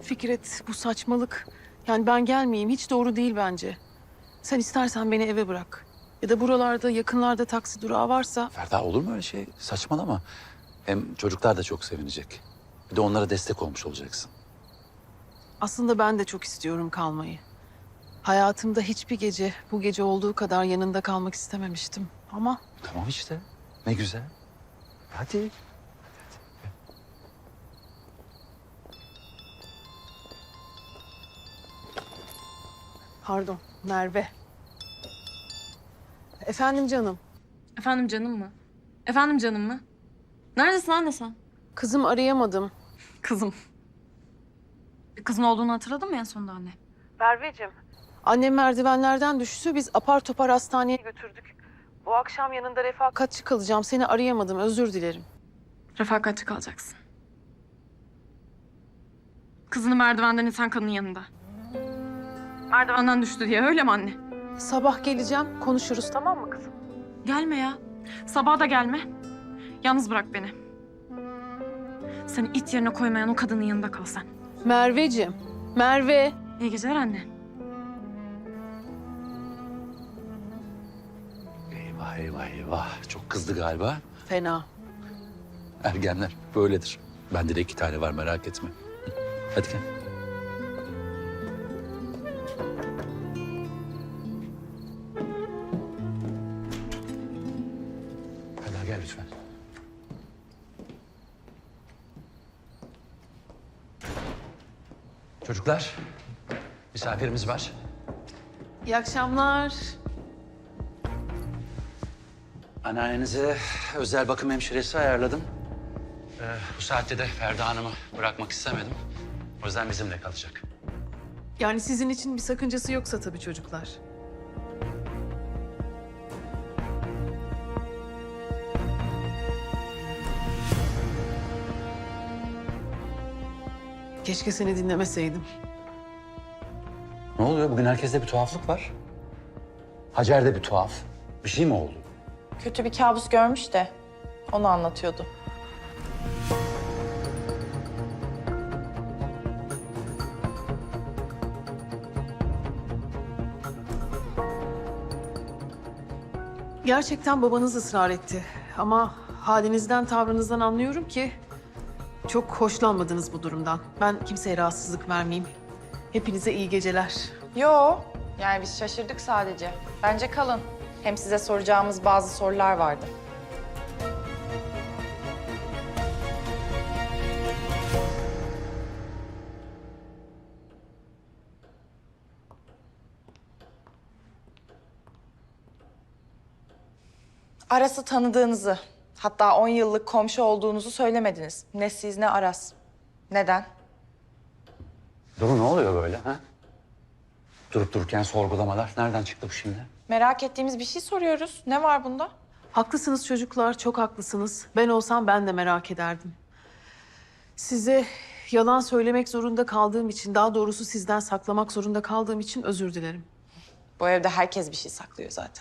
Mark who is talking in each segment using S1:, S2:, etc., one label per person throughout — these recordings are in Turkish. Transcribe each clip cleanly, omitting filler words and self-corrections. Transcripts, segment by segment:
S1: Fikret, bu saçmalık. Yani ben gelmeyeyim, hiç doğru değil bence. Sen istersen beni eve bırak. Ya da buralarda, yakınlarda taksi durağı varsa...
S2: Ferda olur mu öyle şey? Saçmalama. Hem çocuklar da çok sevinecek. Bir de onlara destek olmuş olacaksın.
S1: Aslında ben de çok istiyorum kalmayı. Hayatımda hiçbir gece bu gece olduğu kadar yanında kalmak istememiştim. Ama
S2: Tamam işte. Ne güzel. Hadi.
S1: pardon, Merve. Efendim canım.
S3: Efendim canım mı? Efendim canım mı? Neredesin anne sen?
S1: Kızım arayamadım.
S3: Kızım. Bir kızın olduğunu hatırladın mı en sonunda anne?
S1: Merveciğim. Annem merdivenlerden düştü. Biz apar topar hastaneye götürdük. Bu akşam yanında refakatçi kalacağım. Seni arayamadım. Özür dilerim.
S3: Refakatçi kalacaksın. Kızını merdivenden iten kadının yanında. Merdivenden düştü diye öyle mi anne?
S1: Sabah geleceğim. Konuşuruz, tamam mı kızım?
S3: Gelme ya. Sabaha da gelme. Yalnız bırak beni. Seni it yerine koymayan o kadının yanında kal sen.
S1: Merveciğim. Merve.
S3: İyi geceler anne.
S2: Eyvah eyvah eyvah. Çok kızdı galiba.
S1: Fena.
S2: Ergenler böyledir. Bende de 2 tane var, merak etme. Hadi gel. Hadi gel lütfen. Çocuklar, misafirimiz var.
S1: İyi akşamlar.
S2: Anneannenize özel bakım hemşiresi ayarladım. Bu saatte de Ferda Hanım'ı bırakmak istemedim. O yüzden bizimle kalacak.
S1: Yani sizin için bir sakıncası yoksa tabii çocuklar. Keşke seni dinlemeseydim.
S2: Ne oluyor? Bugün herkeste bir tuhaflık var. Hacer'de bir tuhaf. Bir şey mi oldu?
S4: Kötü bir kabus görmüş de onu anlatıyordu.
S1: Gerçekten babanız ısrar etti. Ama halinizden, tavrınızdan anlıyorum ki çok hoşlanmadınız bu durumdan. Ben kimseye rahatsızlık vermeyeyim. Hepinize iyi geceler.
S4: Yo, yani biz şaşırdık sadece. Bence kalın. Hem size soracağımız bazı sorular vardı. Aras'ı tanıdığınızı, hatta 10 yıllık komşu olduğunuzu söylemediniz. Ne siz ne Aras. Neden?
S2: Duru, ne oluyor böyle ha? Durup dururken sorgulamalar. Nereden çıktı bu şimdi?
S4: Merak ettiğimiz bir şey soruyoruz. Ne var bunda?
S1: Haklısınız çocuklar, çok haklısınız. Ben olsam ben de merak ederdim. Size yalan söylemek zorunda kaldığım için, daha doğrusu sizden saklamak zorunda kaldığım için özür dilerim.
S4: Bu evde herkes bir şey saklıyor zaten.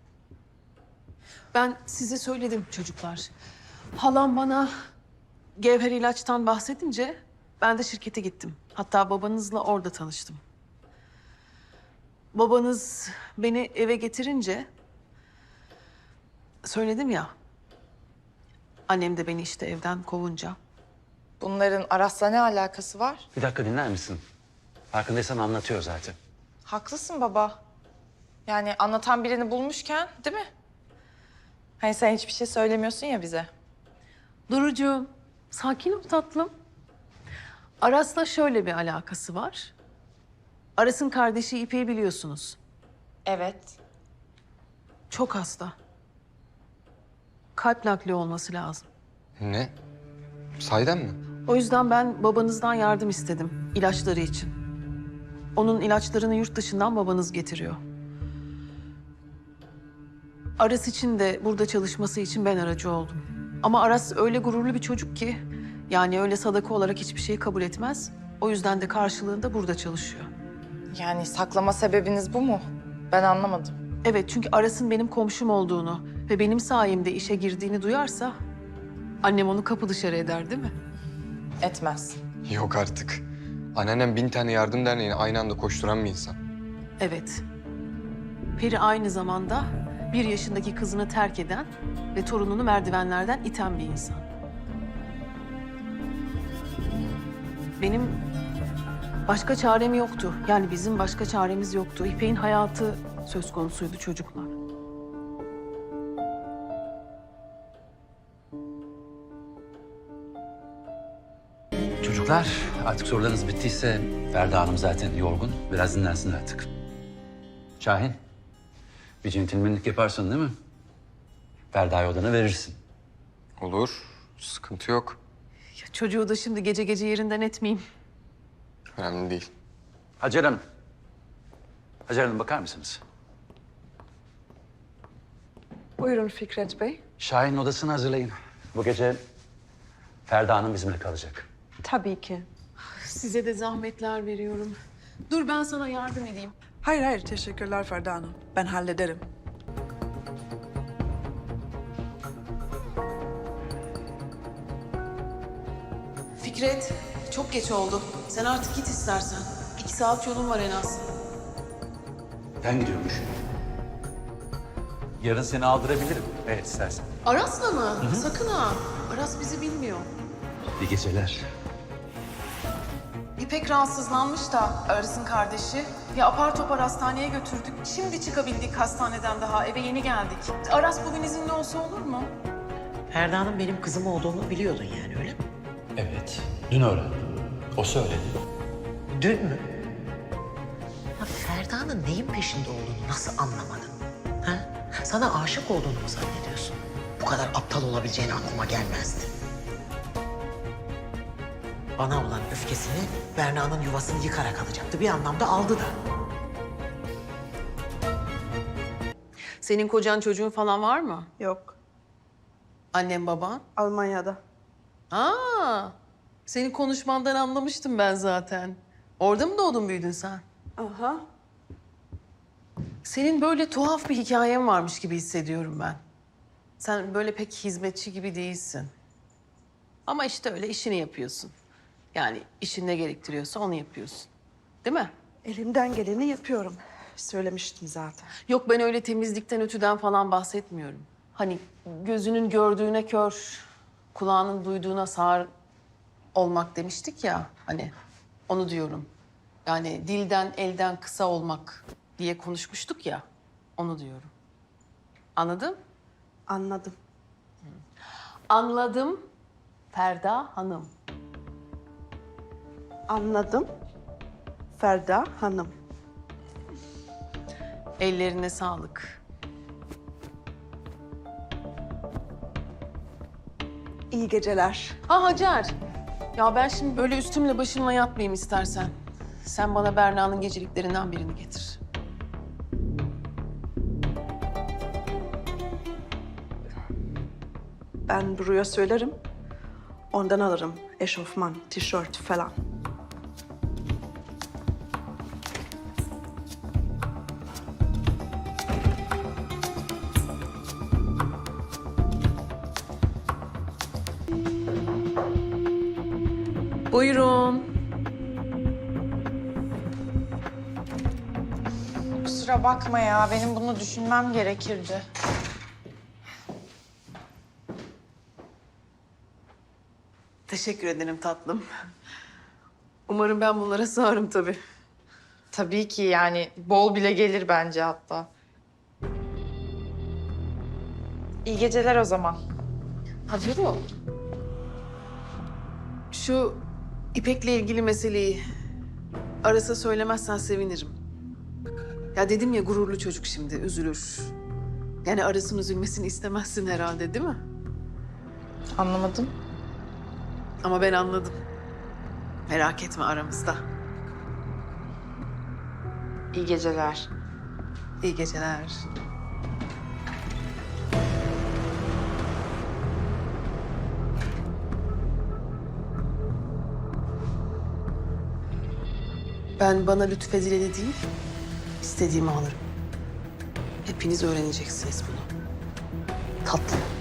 S1: Ben size söyledim çocuklar. Halam bana Gevher ilaçtan bahsedince ben de şirkete gittim. Hatta babanızla orada tanıştım. Babanız beni eve getirince söyledim ya. Annem de beni işte evden kovunca.
S4: Bunların Aras'la ne alakası var?
S2: Bir dakika dinler misin? Farkındaysan anlatıyor zaten.
S4: Haklısın baba. Yani anlatan birini bulmuşken, değil mi? Hani sen hiçbir şey söylemiyorsun ya bize.
S1: Durucuğum, sakin ol tatlım. Aras'la şöyle bir alakası var. Aras'ın kardeşi İpek'i biliyorsunuz.
S4: Evet.
S1: Çok hasta. Kalp nakli olması lazım.
S5: Ne? Sahiden mi?
S1: O yüzden ben babanızdan yardım istedim ilaçları için. Onun ilaçlarını yurt dışından babanız getiriyor. Aras için de burada çalışması için ben aracı oldum. Ama Aras öyle gururlu bir çocuk ki... yani öyle sadaka olarak hiçbir şeyi kabul etmez. O yüzden de karşılığında burada çalışıyor.
S4: Yani saklama sebebiniz bu mu? Ben anlamadım.
S1: Evet, çünkü Aras'ın benim komşum olduğunu ve benim sayemde işe girdiğini duyarsa... annem onu kapı dışarı eder, değil mi?
S4: Etmez.
S5: Yok artık. Anneannem 1000 tane yardım derneğine aynı anda koşturan bir insan.
S1: Evet. Peri aynı zamanda 1 yaşındaki kızını terk eden ve torununu merdivenlerden iten bir insan. Benim başka çarem yoktu. Yani bizim başka çaremiz yoktu. İpek'in hayatı söz konusuydu çocuklar.
S2: Çocuklar, artık sorularınız bittiyse Ferda Hanım zaten yorgun. Biraz dinlensin artık. Şahin, bir centilmenlik yaparsın değil mi? Ferda'yı odana verirsin.
S5: Olur, sıkıntı yok.
S1: Ya çocuğu da şimdi gece gece yerinden etmeyeyim.
S5: Önemli değil.
S2: Hacer Hanım. Hacer Hanım bakar mısınız?
S6: Buyurun Fikret Bey.
S2: Şahin'in odasını hazırlayın. Bu gece Ferda Hanım bizimle kalacak.
S6: Tabii ki.
S1: Size de zahmetler veriyorum. Dur ben sana yardım edeyim.
S6: Hayır hayır teşekkürler Ferda Hanım. Ben hallederim.
S1: Fikret, çok geç oldu. Sen artık git istersen. 2 saat yolun var en az.
S2: Ben gidiyormuş. Yarın seni aldırabilirim. Evet istersen.
S1: Aras'la mı? Sakın ha. Aras bizi bilmiyor.
S2: İyi geceler.
S1: İpek rahatsızlanmış da Aras'ın kardeşi. Ya apar topar hastaneye götürdük. Şimdi çıkabildik hastaneden daha. Eve yeni geldik. Aras bugün izinli olsa olur mu?
S7: Ferda'nın benim kızım olduğunu biliyordun yani öyle mi?
S2: Evet. Dün öğrendim. O söyledi.
S7: Dün mü? Ya Ferda'nın neyin peşinde olduğunu nasıl anlamadın? Ha? Sana aşık olduğunu mu zannediyorsun? Bu kadar aptal olabileceğini aklıma gelmezdi. Bana olan öfkesini Berna'nın yuvasını yıkarak alacaktı. Bir anlamda aldı da.
S1: Senin kocan çocuğun falan var mı?
S6: Yok.
S1: Annem baban?
S6: Almanya'da.
S1: Aa, senin konuşmandan anlamıştım ben zaten. Orada mı doğdun büyüdün sen?
S6: Aha.
S1: Senin böyle tuhaf bir hikayen varmış gibi hissediyorum ben. Sen böyle pek hizmetçi gibi değilsin. Ama işte öyle işini yapıyorsun. Yani işin ne gerektiriyorsa onu yapıyorsun. Değil mi?
S6: Elimden geleni yapıyorum. Söylemiştim zaten.
S1: Yok ben öyle temizlikten, ütüden falan bahsetmiyorum. Hani gözünün gördüğüne kör, kulağının duyduğuna sağır olmak demiştik ya hani. Onu diyorum. Yani dilden, elden kısa olmak diye konuşmuştuk ya. Onu diyorum. Anladın?
S6: Anladım.
S1: Anladım Ferda Hanım.
S6: Anladım. Ferda Hanım.
S1: Ellerine sağlık.
S6: İyi geceler.
S1: Ha Hacer. Ya ben şimdi böyle üstümle başımla yatmayayım istersen. Sen bana Berna'nın geceliklerinden birini getir.
S6: Ben Duru'ya söylerim. Ondan alırım. Eşofman, tişört falan.
S1: Buyurun.
S4: Kusura bakma ya, benim bunu düşünmem gerekirdi.
S1: Teşekkür ederim tatlım. Umarım ben bunlara sığarım tabii.
S4: Tabii ki yani bol bile gelir bence hatta. İyi geceler o zaman.
S1: Hadi o. Şu İpek'le ilgili meseleyi Aras'a söylemezsen sevinirim. Ya dedim ya gururlu çocuk şimdi üzülür. Yani Aras'ın üzülmesini istemezsin herhalde değil mi?
S4: Anlamadım.
S1: Ama ben anladım. Merak etme aramızda.
S4: İyi geceler.
S1: İyi geceler. Ben bana lütfedileni değil, istediğimi alırım. Hepiniz öğreneceksiniz bunu. Tatlım.